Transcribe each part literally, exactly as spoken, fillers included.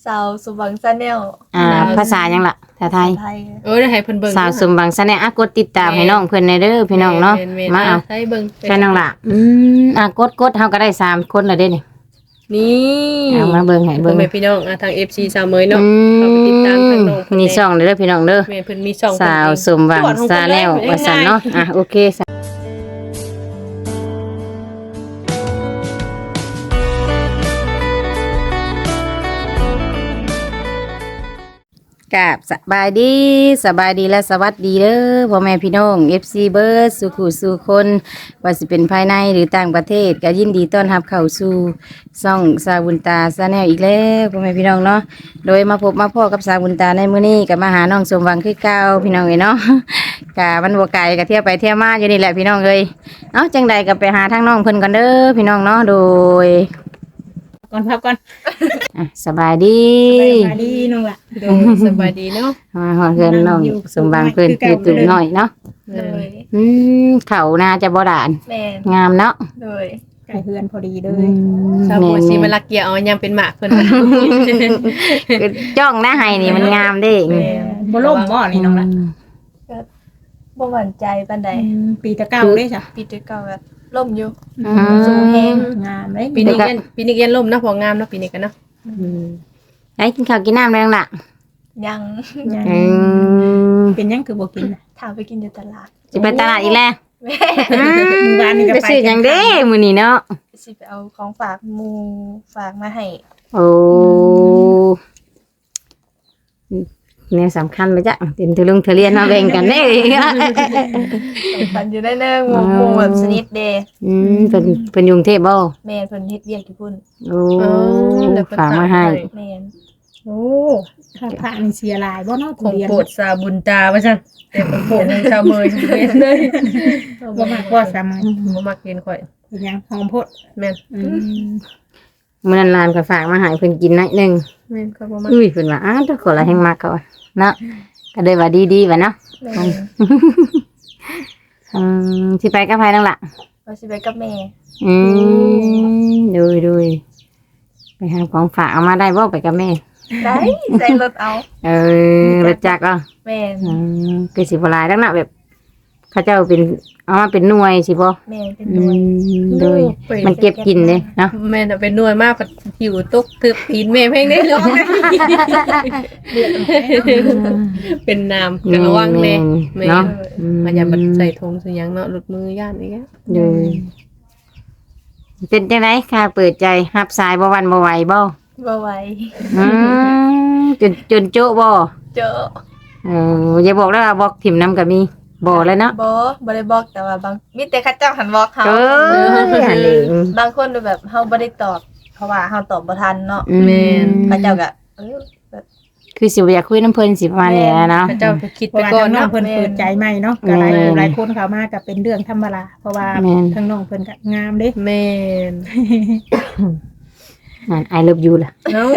สาวสุบังชาแนลอ่าภาษาหยังล่ะภาษาไทยไทยเออได้ให้เพิ่นเบิ่งสาวสมบังชาแนลอ่ะกดติดตามให้น้องเพิ่นในเด้อพี่น้องเนาะมาเอาให้เบิ่งแค่น้องล่ะอืมอ่ะกดกดเฮาก็ได้สามคนแล้วเด้นี่นี่เอามาเบิ่งให้เบิ่งพ่อแม่พี่น้องอ่ะทาง เอฟ ซี สาวเมยเนาะอืเข้าไปติดตามทางมน้องเพิ่นนี่ช่องเด้อพี่น้องเด้อแม่เพิ่นมีช่องสาวสมบังชาแนลว่าซั่นเนาะอ่ะโอเคกับสบายดีสบายดีและสวัสดีเด้อพ่อแม่พี่น้อง เอฟ ซี เบิร์ดสุขุสู่คนว่าสิเป็นภายในหรือต่างประเทศก็ยินดีต้อนรับเข้าสู่ช่องสาวบุญตาชาแนลอีกแล้วพ่อแม่พี่น้องเนาะโดยมาพบมาพ่อกับสาวบุญตาในมื้อนี้ก็มาหาน้องสมหวังคือเก่าพี่น้องเอ้ยเนาะ กะมันบ่ไกลก็เที่ยวไปเที่ยวมาอยู่นี่แหละพี่น้องเอ้ยเอ้าจังใดก็ไปหาทางน้องเพิ่นก่อนเด้อพี่น้องเนาะโดยก่อนพักก่อนอ่ะสบายดีสบายดีน้องล่ะโดยสบายดีเนาะมาฮอดเพิ่นน้องสมหวังเพิ่นอยู่ตุ่มน้อยเนาะโดยอืมเขาน่าจะบ่ด่านแม่นงามเนาะโดยไก่เฮือนพอดีเลอืยมชาวแม่บัวน สิมาๆลักเกียร์เอายังเป็นหมากเพิ่นคือจ้องหน้าให้นี่มันงามเด้บ่ล่มบ่นี่น้องล่ะบ่หวั่นใจปานใดปีตะเก้าได้จ้ะปีที่เก่าแบบล่มอยู่อืสูงแฮงมงามเลยปีนี้เรียนปีนี้เรียนล่มเนาะพองามเนาะปีนี้กันเนาะไอ้กินข้าวกินน้ำแล้วล่ะยังอืมเป็นยังคือบ่กินน่ะถามไปกินอยู่ตลาดสิไปตลาดอีกแล้วแม่อืมมื้อวานนี่ก็ไปไปซื้อหยังเด้มื้อนี้เนาะสิไปเอาของฝากหมู่ฝากมาให้โอ้เนี่ยสำคัญไปจ้ะเป็นทุลุงเทเรียนมาแบ่งกันเด้ปันอยู่ได้เนิ่งหมู่หมู่แบบสนิทเด้อืมเป็นเป็นยุงเทพบ่แม่นเพิ่นเฮ็ดเวียกอยู่พุ่นโอ้ฝากมาให้แม่นโอ้ข้าพระนี่เสียหลายบ่เนาะของเรียนโปรดสาวบุญตาว่าซั่นแต่ของโปรดของชาวเมยเว้นเลยบ่มากกว่าสามมื้อบ่มักกินข่อยเป็นยังหอมโพดแม่นอืมมื้อนั้นหลานก็ฝากมาให้เพิ่นกินหน่อยหนึงแม่นข่อยบ่มักอุ้ยเพิ่นว่าอ้าวทุกคนละแห่งมักเขาอะเนาะก็เลยว่าดีๆว่าเนาะแม่นอืมสิไปกับไผนั่นล่ะว่าสิไปกับแม่อืมดูดูไปหาของฝากเอามาได้บ่ไปกับแม่ได้ใส่รถเอาเออรถจักรอ่ะแม่นอืมคือสิบหลายแล้วนะแบบเขาเจ้าเป็นเอามาเป็นหน่วยสิบ่แม่นเป็นอืหน่วยมโดยมันเก็บกินเลยเนาะแม่น่ะเป็นหน่วยมากผัดหิวตกทึบปีนแม่เพลงได้ร้องเป็นน้ำกระวังแน่แม่เนาะมันอย่าบัดใส่ธงใส่หยังเนาะหลุดมือย่านอีกแล้วโดยเป็นจังไดค่ะเปิดใจรับสายบ่หวันบ่ไหวบ่บ่ไหวอืมจนจนโจ๊ะบ่เจอเอออย่าบอกแล้วว่าบอกถิ่มน้ำก็มีบ่แล้วเนาะบ่บ่ได้บอกแต่ว่าบางมีแต่เขาเจ้าหันบอกเฮาเอออันนี้บางคนดูแบบเฮาบ่ได้ตอบ เพราะว่าเฮาตอบบ่ทันเนาะแม่นเขาเจ้าก็เออแบบคือสิบ่อยากคุยน้ำเพิ่นสิประมาณนี้นะเนาะพระเจ้าไปคิดเพราะไปว่าก่อทาน งน้องเนาะเพิ่นเปิดใจใหม่เนาะก็หลายหลายคนเข้ามาก็เป็นเรื่องธรรมดาเพราะว่าแม่นทางน้องเพิ่นก็งามเด้แม่นนั่น I love you ล่ะเนาะ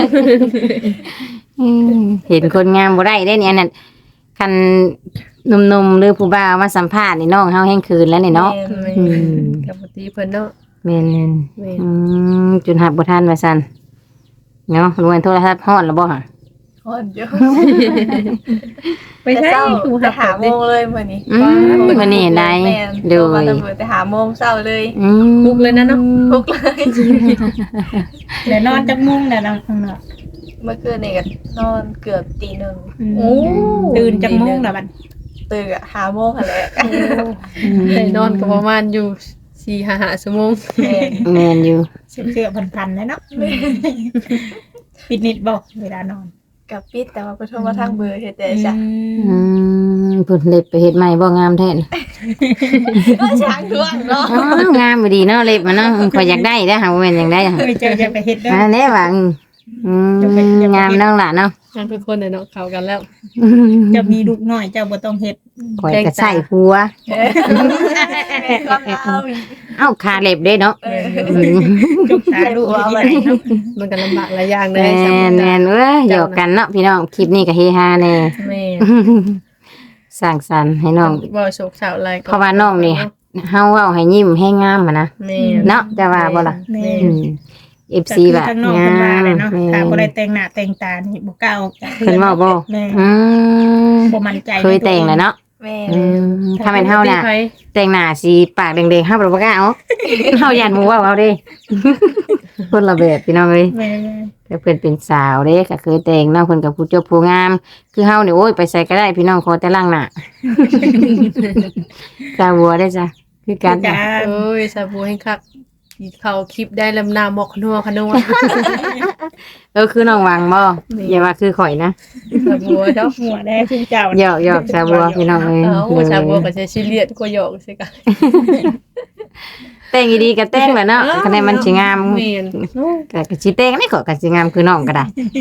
อืมเห็นคนงามบ่ได้เด้เนี่ยนั่นคันหนุ่มๆหรือผู้บ่าวมาสัมภาษณ์นี่น้องเฮาแห่งคืนแล้วนี่เนาะแม่แม่อืมกับปกติเพิ่นเนาะแม่นแม่ๆอืมจนหับบ่ทันว่าซั่นเนาะรวยโทรศัพท์ฮอดแล้วบ่ฮะฮอนอยู่ไปแต่ใช้เช้าผู้แต่หับหาโมงเลยมื้อนี้อืมมื้อนี้ได้แม่นโดโทรมาย ตำรวจแต่หาโมงเช้าเลยอืมลุกเลยนะเนาะทุกเลยแล้วนอนจักมุ้งแล้วน้องข้างนอกเมื่อคืนนี่ก็นอนเกือบตีหนึ่งโอ้ตื่นจักมุ้งแล้วบัดตื่นอะหาโมงหั่นแหละได้นอนก็ประมาณอยู่สี่ห้าห้าชั่วโมงแม่นแม่นอยู่เสื้อๆพันๆแล้วเนาะปิดนิดบ่เวลานอนกับปิดแต่ว่าเพิ่นโทรมาทางเบอร์เฮ็ดได้จ้ะอืมเพิ่นเล็บไปเฮ็ดใหม่บ่งามแท้น่ะก็ช้างท่วงเนาะอ๋องามบ่ดีเนาะเล็บมันเนาะข่อยอยากได้เด้อหาบ่แม่นอยากได้อะเอ้ยเจ้าจะไปเฮ็ดเด้ออันนี้ว่าอืมอืมงามน้องล่ะเนาะงานเป็นคนเนี่ยเนาะเข้ากันแล้วเจะมีลูกน้อยเจ้าบ่ต้องเฮ็ดข่อยก็ใส่ผัวเออความยาวอีกเอ้าคาเล็บเด้เนาะเอออืมจุกตาลูกที่ไหนเนาะมันก็ลำบากหลายอย่างเลแม่ยสำหรับนแม่นเอ้ยหยอกกันเนาะพี่น้องคลิปนี้ก็เฮฮาแน่แม่สร้างสรรค์ให้น้องบ่โศกเศร้าอะไรก็เพราะว่าน้องนี่เฮาเว้าให้ยิ้มให้งามอะนะแม่เนาะจะว่าบ่ล่ะแม่อืม เอฟ ซีก็คือแบบทางน้องงาเพิ่นว่าเลยมเนาะแม่ถ้าบ่ได้ได้แต่งหน้าแต่งตานี่บ่กล้าออกจากเพิ่นเว้าบ่แม่อืมบ่มั่นใจเคยแต่งแล้วเนาะแม่อืมถ้าเป็นเฮาน่ะไผแต่งหน้าสีปากแดงๆเฮาบ่กล้าเอา เฮาย่านหมู่เว้าเอาเด้ คนละแบบพี่น้องเอ้ยแม่แต่เพิ่นเป็นสาวเด้ก็เคยแต่งเนาะเพิ่นก็ผู้จบผู้งาม คือเฮานี่โอ้ยไปใส่ก็ได้พี่น้องขอแต่ล้างหน้า สาวบัวได้จ้ะคือกันจ้าเอ้ยสาบูให้คักเขาคลิปได้ลำนามบอกขนัวขนัวเออคือน้องวังบ่อย่าว่าคือข่อยนะสาบัวเจ้าหัวได้คุณเจ้าหยอกหยอกสาวบัวพี่น้องเอ้ยเอาสาบัวก็จะชิเลียดก็หยอกสิกันแต่งดีๆก็แต่งแหละเนาะคะแนนมันสิงามแม่นก็ก็สิแต่งนี่ก็ก็สิงามคือน้องก็ได้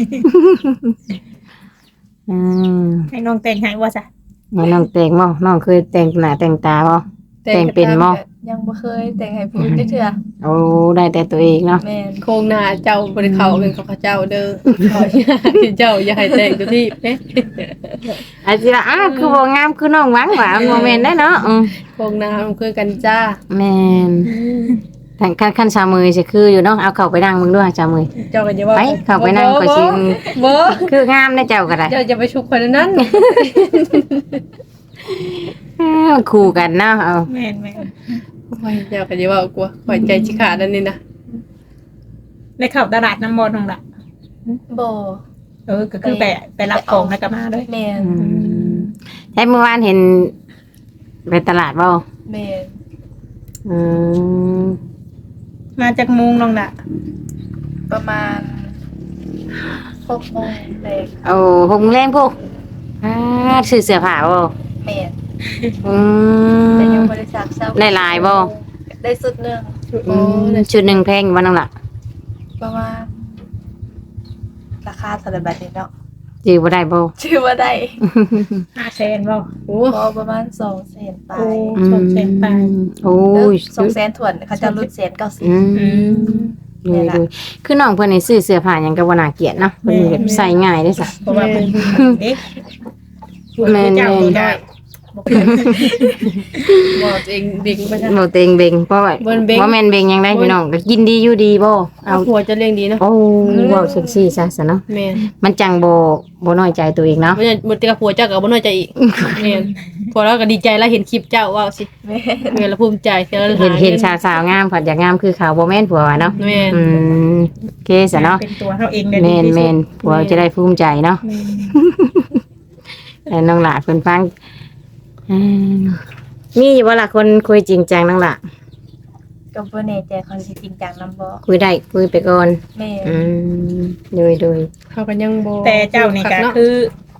อืมให้น้องแต่งให้ว่าซะแล้วน้องแต่งบ่น้องเคยแต่งหน้าแต่งตาบ่ แต่งเป็นบ่ยังบ่เคยแต่งให้ผู้อื่นได้เทื่อโอ้ได้แต่ตัวเองเนาะแม่นโครงหน้าเจ้าบริเขาเป็นของเขาเจ้าเด้อเขาเจ้าอย่าให้แต่งตัวที่เอ๊ะอาจสิว่าอ้าวคือบ่งามคือน้องหวังว่ามันบ่แม่นได้เนาะอืมโครงหน้ามันคือกันจ้าแม่นแต่คันคันชาวมือสิคืออยู่เนาะเอาเข้าไปนั่งมึงด้วยชาวมือเจ้าก็จะว่าไปเข้าไปนั่งก็สิบ่คืองามได้เจ้าก็ได้เจ้าจะไปชุกคนนั้นอ้าวคู่กันเนาะเอาแม่นแม่นโอ้ยเจ้าก็จะว่ากลัวปล่อยใจชิขาดนั่นนี่นะได้เข้าตลาดน้ำมนต์น้องล่ะบ่เออก็คือไปไปรับของแล้วก็มาเลยแม่นอืมใช่เมื่อวานเห็นไปตลาดบ่แม่นอืมมาจากมุงน้องล่ะประมาณหกโมงแรกโอ้หกโมงแรงพวกอ่าซื้อเสื้อผ้าบ่แม่นอืแต่ยังมบ่ได้ซักเช้าได้หลายบ่ได้สุดหนึงอืมชุดหนึ่งแพงอยู่บ่นั่นล่ะประมาณราคาเท่าไหร่บัดนี้เนาะจื้อบ่ได้บ่ชื่อว่าได้ห้าแสนบ่โอ้พอประมาณสองแสนไปโอ้ สองแสนปลายโอ้เอย อสองแสนถ่วนเขาจะรุ่นแสนเก้าสิบอืมดูดูคือน้องเพิ่นนี่ซื้อเสื้อผ้าหยังก็บ่น่าเกลียดเนาะเพิ่นแบบใส่ง่ายเด้อจ้ะเพราะว่าเป็นเด็กแม่นเจ้าตัวน้อยบอกเองเด็กไปจ้ะบ่เต็งเบงเพราะว่าเบิ่นเบ่งบ่แม่นเบงหยังได้พี่น้องก็กินดีอยู่ดีบ่เอาเอาหัวจะเลี้ยงดีเนาะโอ้เว้าจังซี่ซะซะเนาะแม่นมันจังบ่บ่น้อยใจตัวเองเนาะบ่จะบ่ติกับผัวเจ้าก็บ่น้อยใจอีกแม่นพอเราก็ดีใจแล้วเห็นคลิปเจ้าว้าวสิแม่นแม่นแล้วภูมิใจเสียแล้วเห็นเห็นสาวๆงามผัดอยากงามคือเขาบ่แม่นผัวว่าเนาะแม่นอืมโอเคซะเนาะเป็นตัวเขาเองได้ดีแม่นที่สุดแม่นผัวจะได้ภูมิใจเนาะแม่นแต่น้องหลาเพิ่นฟังอืมมีอยู่บ่ล่ะคนคุยจริงจังน้องหลาก็บ่แน่ใจเขาสิจริงจังนำบ่คุยได้คุยไปก่อนแม่นอืมโดยโดยเขาก็ยังบ่แต่เจ้านี่ก็เนาะคือ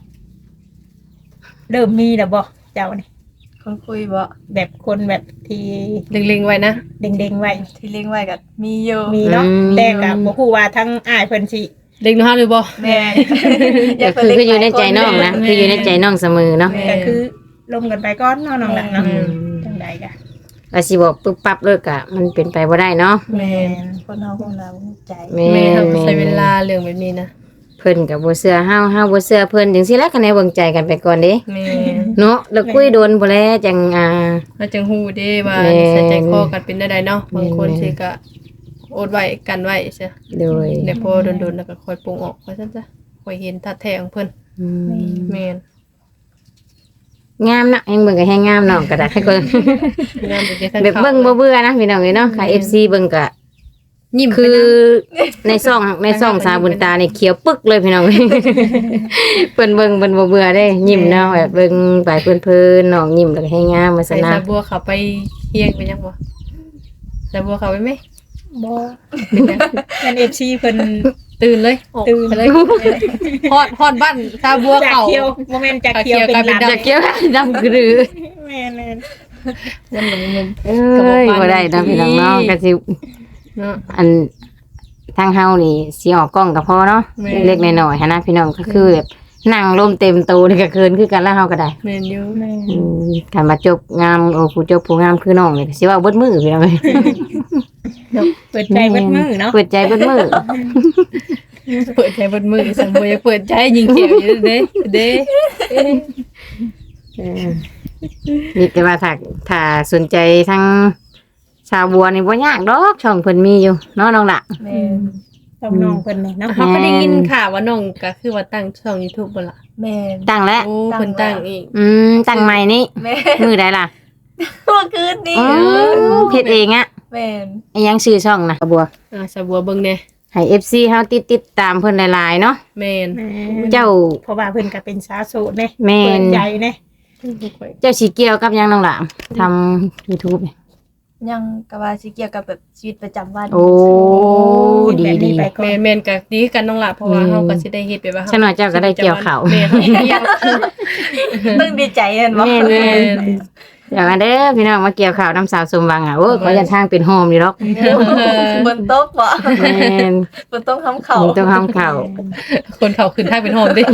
เริ่มมีแล้วบ่เจ้านี่คนคุยบ่แบบคนแบบที่เล็งๆไว้นะเด้งๆไว้ที่เลี้ยงไว้ก็มีอยู่มีเนาะแต่ก็บ่ฮู้ว่าทั้งอ้ายเพิ่นสิเล็งเนาะหรือบ่แม่นก็คือคืออยู่ในใจน้องนะคืออยู่ในใจน้องเสมอเนาะก็คือลมกันไปก่อนเนาะน้องหละเนาะอืมจังใดก็ว่าสิบอกปึ๊บปั๊บเลิกอะมันเป็นไปบ่ได้เนาะแม่นคนเฮาคนเราใจแม่แม่นทำแม่ใช้เวนนลาเรื่องแบบนี้นะเพิ่นกับบ่เชื่อเฮาเฮาบ่เชื่อเพิ่นจังซี่แหละคะแนนเบิ่งใจกันไปก่อนเด้แม่เนาะแล้วคุยโดนบ่แล้วจังอ่าอาจังฮู้เด้ว่าแม่นิสัยใจคอกันเป็นได้ใดเนาะบางคนแม่สิก็อดไว้กันไว้ซะโดยเดี๋ยวพอโดนๆแล้วก็ค่อยปรุงออกว่าซั่นจ้ะค่อยเห็นท่าแท้ของเพิ่นอืมแม่นงามเนาะแฮงเบิ่งก็แฮงงามเนาะก็ได้ให้คนงามเป็นจังแบบเบิ่งบ่เบื่อนะพี่น้องเอ้ยเนาะค่ะ เอฟ ซี เบิ่งก็ยิ้มคืคืออในซ่องในซ่องสาวบุญตานี่เขียวปึกเลยพี่น้องเอ้ย เพิ่นเบิ่งเพิ่นบ่เบื่อเด้ยิ้มเนาะแบบเบิ่งไปเพิ่นๆน้องยิ้มแล้วก็แฮงงามว่าใส่ซั่นนะสาบัวเขาไปเฮียงไปยังบ่สาบัวเขาไปไหมบ่เป็นหยังเป็น เอฟ ซี เพิ่นตื่นเลยออกตื่นไปเลยฮอดฮอดบ้านสาบัวจากเขาเคียวบ่แม่นจากเคียวจากเคี้ยวกลายเป็นเป็นลำจะเกี่ยวดำกรือแม่นวันหนึ่งมุมเอ้ยบ่ได้นะพี่น้องเนาะก็สิเนาะอันทางเฮานี่สิออกกล้องก็พอเนาะแม่เล็กๆน้อยๆหันนะพี่น้องก็คือแบบนั่งลมเต็มโตนี่ก็เกินคือกันแล้วเฮาก็ได้แม่นอยู่ๆแม่นอืมการมาจบงามโอ้ผู้จบผู้งามคือน้องนี่ก็สิว่าเบิดมือพี่น้องเอ้ยเปิดใจเบิดมือเนาะเปิดใจเบิดมือเปิดใจเบนมือสาบัวยังเปิดใจยิงเขียวอยู่เด้เด้เออนี่แต่ว่าถ้าถ้าสนใจทางชาวบัวนี่บ่ยากดอกช่องเพิ่นมีอยู่เนาะน้องละแม่นตช่องน้องเพิ่นนี่เนาะเขาก็ได้ยินข่าวว่าน้องก็คือว่าตั้งช่อง YouTube บ่ล่ะแม่นตั้งแล้วโอ้เพิ่นตั้งเองอืมตั้งใหม่นี่แม่นมือใดล่ะเมื่อคืนนี้อ๋อเฮ็ดเองอะแม่นไอ้ยังชื่อช่องนะบัวอ่าสะบัวเบิ่งแน่ให้ เอฟ ซี เฮาติดติดตามเพิ่นหลายๆเนาะแม่นเจ้าเพราะว่าเพิ่นก็เป็นสาวโสดเด้แม่นเปิดใจเด้เจ้าสิเกี่ยวกับหยังน้องหลามทำ YouTube เนี่ยยังก็ว่าสิเกี่ยวกับแบบชีวิตประจำวันโอ้ดีแบบดีนี้ไปก่อแม่นนแม่นก็ดีคือกันน้องล่ะเพราะว่าอืมเฮาก็สิได้เฮ็ดไปว่าฉันว่าเจ้าก็ได้เกี่ยวข้าวแม่นเกี่ยวต้องดีใจเห็นบ่แม่นแม่นเดี๋ยวกันเด้อพี่น้องมาเกี่ยวข่าวน้ำสาวสมหวังอ่ะโอ้ยขออย่าทางเป็นโฮมอยู่หรอกบนโต๊ะบ่แม่นบนโต๊ะทำเขามึงต้องทำข่าวคนเขาขึ้นทางเป็นโฮมดิ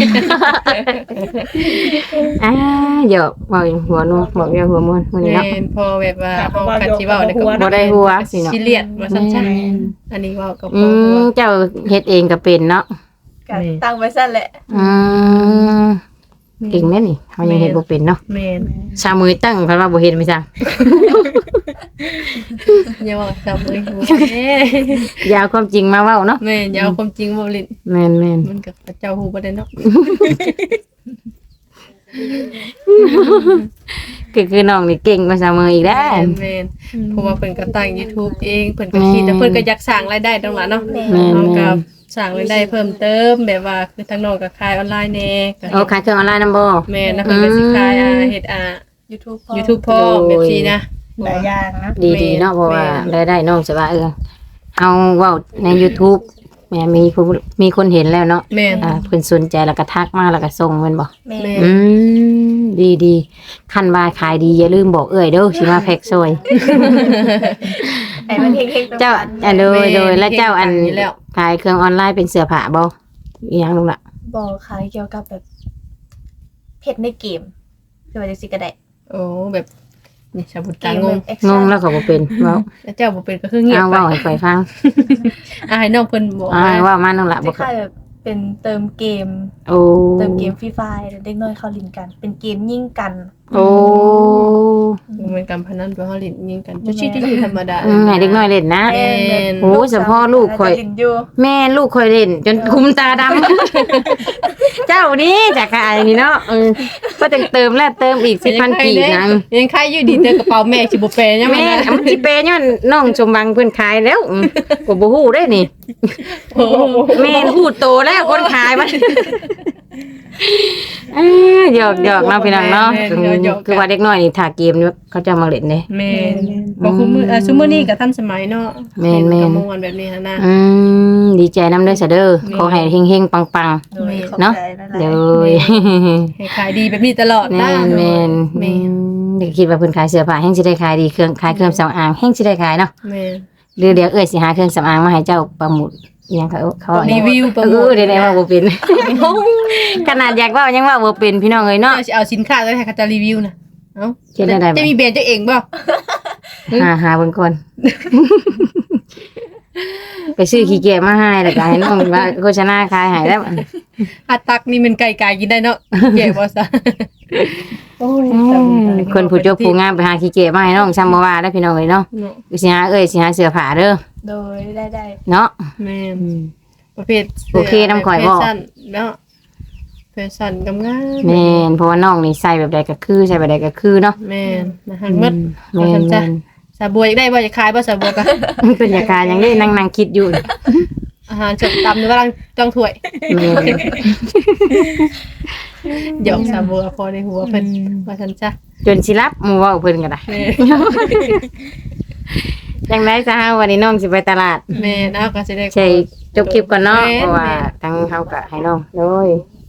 อ่าเดี๋ยวบอกหัวนัวบอกเดี๋ยวหัวมวนวันนี้แม่เนาะนพอแบบว่าเฮากันสิเว้าได้ก็บ่ได้หัวสิเนาะสิเลียดว่าซั่นจ้ะแม่นอันนี้เว้ากับอืพ่อหัวมเจ้าเฮ็ดเองก็เป็นเนาะก็ตั้งไว้ซั่นแหละอืมเก่งแม่นี่เฮายังเฮ็ดบ่เป็นเนาะแม่นชามือตั้งเพิ่นว่าบ่เฮ็ดไม่ซังอย่าเว้าจับเลยหัวแม่อย่าเอาความจริงมาเว้าเนาะแม่นอย่าเอาความจริงมาเล่นแม่นแม่นมันกับเจ้าฮู้บ่ได้เนาะคือคือน้องนี่เก่งกว่าชามืออีกแล้วแม่นแม่นเพราะว่าเพิ่นก็ตั้ง YouTube เองเพิ่นก็คิดแต่เพิ่นก็อยากสร้างรายได้ตรงนั้นเนาะแม่แม่นเอาแม่กับนสร้างรายได้เพิ่มเติมแบบว่าคือทางน้องก็ขายออนไลน์แน่ก็โอ้ขายเครื่องออนไลน์นำบ่แม่นนะเพิ่นก็สิขายอ่าเฮ็ดอ่า YouTube พอ YouTube พร้อมแบบนี้นะหลายอย่างนะดีแม่ดีนเนาะเพราะว่าแม่นรายได้น้องจะว่าเออเอาเว้าใน YouTube แม่มีผู้มีคนเห็นแล้วเนาะแม่นอ่าเพิ่นสนใจแล้วก็ทักมาแล้วก็ส่งแม่นบ่แม่แม่อืมดีดีคันว่าขายดีอย่าลืมบอกเอ้ยเด้อสิมาแพ็กซอยไอ้มันเฮงๆเจ้าอันโดยโดยแล้วเจ้าอันเฮ็ดอยู่แล้วขายเครื่องออนไลน์เป็นเสื้อผ้าบ่อีหยังลุงล่ะบ่ขายเกี่ยวกับแบบเพชรในเกมคือว่าจังซี่ก็ได้โอ้แบบนี่ชาวบุตเกตาม งงแบบ action งงแล้วก็บ่เป็นเว้าแล้วเจ้าบ่เป็นก็คือเงียบเอาไปเว้าให้ข่อยฟังอ่าให้น้องเพิ่นบอกอ่าเว้ามาน้องล่ะคบ่เคล้าย ยๆแบบเป็นเติมเกมโอ้เติมเกมฟรีไฟล์เด็กน้อยเข้าลินกัน เป็นเกมยิงกันโอ้มันเป็นการพนันเป็นเฮาเล่นยิงกันจะชีที่ธรรมดาอืมให้เด็กน้อยเล่นนะแม่นโอ้เฉพาะลูกข่อยจะลินอยู่แม่ลูกคอยเล่น จนคุมตาดำ เจ้านี่จากขายนี่เนาะเออก็ต้องเติมแล้วเติมอีกสิบพันกีบนะยังใครอยู่ดีเจอกระเป๋าแม่สิบ่แปลยังแม่ไงนะมันสิเปย์ย้อนน้องชมบังเพิ่นขายแล้วอืมก็บ่ฮู้ได้นี่โอ้โหแม่ฮู้โตแล้วคนขายมันเอ้ยหยอกหยอกเนาะพี่น้องเนาะคือว่าเด็กน้อยนี่ถ้าเกมนี่เขาจะมาเล่นเด้แม่นบ่คุมืออ่ะซุมื้อนี้ก็ทันสมัยเนาะแม่นแม่นก็ม่วนแบบนี้หั่นนะอืมดีใจนำเด้อซะเด้อขอให้เฮงๆปังโดยแม่ขอบเนาะใจหลายๆๆเด้อให้ขายดีแบบนี้ตลอดแม่นะนแม่นแม่นเด็กคิดว่าเพิ่นขายเสื้อผ้าแฮงสิได้ขายดีเครื่องขายเครื่องสำอางแฮงสิได้ขายเนาะแม่นหรือเดี๋ยวเอ้ยสิหาเครื่องสำอางมาให้เจ้าประมูลอิหยังเขาเขารีวิวโปรเอโมอทเดี๋ยวได้ว่าบ่เป็น ขนาดอยากเว้ายังเว่าบ่เป็นพี่น้องเอ้ยเนาะเอาสิเอาสินค้าแล้วให้เขาจะรีวิวนะเอ้าเฮ็ดได้ได้บ่จะมีแบรนด์เจ้าเองบ่หาหาเบิ่งก่อน ไปซื้อขี้เกียจมาให้แล้วก็ให้น้องว่าโฆษณาขายให้แล้วอาตักนี่มันไก่ๆกินได้เนาะแก่บ่ซะโอ้ยคนผู้จบผู้งามไปหาขี้เกียจมาให้น้องซ้ำบ่ว่าเด้อพี่น้องเอ้ยเนาะเนาะสิหาเอ้ยสิหาเสื้อผ้าเด้อโดยได้ได้เนาะแม่นอืมประเภทโอเคนำข่อยบ่แฟชั่นเนาะแฟชั่นกำงามแม่นเพราะว่าน้องนี่ใส่แบบใดก็คือใส่แบบใดก็คือเนาะแม่นนะฮันหมดแม่นจ้ะแม่นสาบัวอยากได้บ่อยากขายบ่สาบัวก็เป็นยาการอย่างนี้นั่งนั่งคิดอยู่อาหารจบตำหรือว่าลังจ้องถ้วยแม่นหยอกสาบัวพอในหัวเพิ่นว่าซั่นจ้ะจนสิรับหมู่เว้าเพิ่นก็ได้แม่จังได๋ซะฮะวันนี้น้องสิไปตลาดแม่นเอาก็สิได้ใช่จบคลิปก่อนเนาะแม่นเพราะว่าทั้งเฮาก็ให้น้องเลย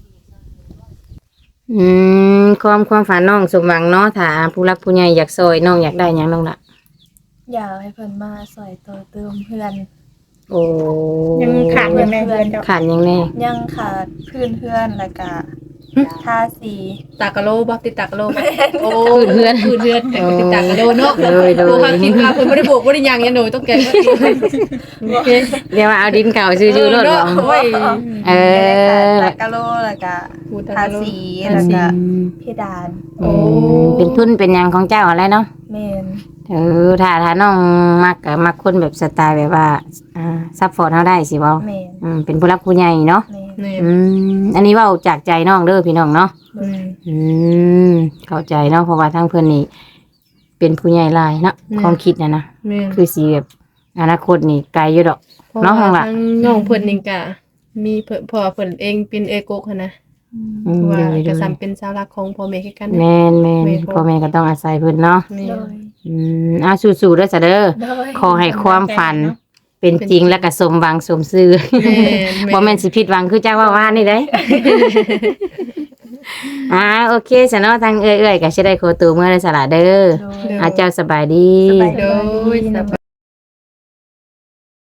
อืมความความฝันน้องสมหวังเนาะถ้าผู้รักผู้ใหญ่อยากซอยน้องอยากได้หยังน้องล่ะอยากให้เพิ่นมาสอยตัวเติมเพื่อนโอ้ยังขาดเงินในเดือนเจ้าขาดหยังแน่ยังขาดพื้นเพื่อนแล้วก็ทาสีตากะโลบ่ติดตากะโลบ่โอ้เพื่อนคืนเพื่อนแต่ก็ติดตากะโลเนาะโดยโดยโอ้ค่ะคิดว่าเพิ่นบ่ได้โบกบ่ได้หยังยันหนูต้องแก้ก็โอเคเดี๋ยวว่าเอาดินเก่าซื้อๆรถเนาะบ่โอ้ยเออตากะโลแล้วก็พูดตาทากะโลสีแล้วก็เพดานโอ้เป็นทุนเป็นหยังของเจ้าอะไรเนาะเมนเออถ้าถ้าน้องมักก็มักคนแบบสไตล์แบบว่าอ่าซัพพอร์ตเฮาได้สิบ่เมนอืมเป็นผู้รักผู้ใหญ่เนาะเมนนี่อืมอันนี้เว้าจากใจน้องเด้อพี่น้องเนาะอืมอืมเข้าใจเนาะเพราะว่าทั้งเพิ่นนี่เป็นผู้ใหญ่หลายเนาะอืมความคิดน่ะนะแม่นคือสิแบบอนาคตนี่ไกลอยู่ดอกเพราะเนาะว่าข้างหลังทางน้องเพิ่นนี่ก็มีเพิ่นพ่อเพิ่นเองเป็นเอโกกหันนะอืมว่าเดี๋ยวก็ๆซ้ำเป็นสาวรักของพ่อแม่คือกันแม่นแม่นแม่นพ่อแม่ก็ต้องอาศัยเพิ่นเนาะนี่โดยอืมอ่ะสู้ๆเด้อจ้ะเด้อโดยขอให้ความฝันเป็นจริงและก็สมหวังสมซื่อแม่นบ่แม่นสิผิดหวังคือเจ้าว่าว่านี่เด้ อ่าโอเคซะเนาะทางเอื้อยๆก็สิได้ขอตัวเมื่อได้สละเด้อโดยอาเจ้าสบายดีสบายดีโดยสบาย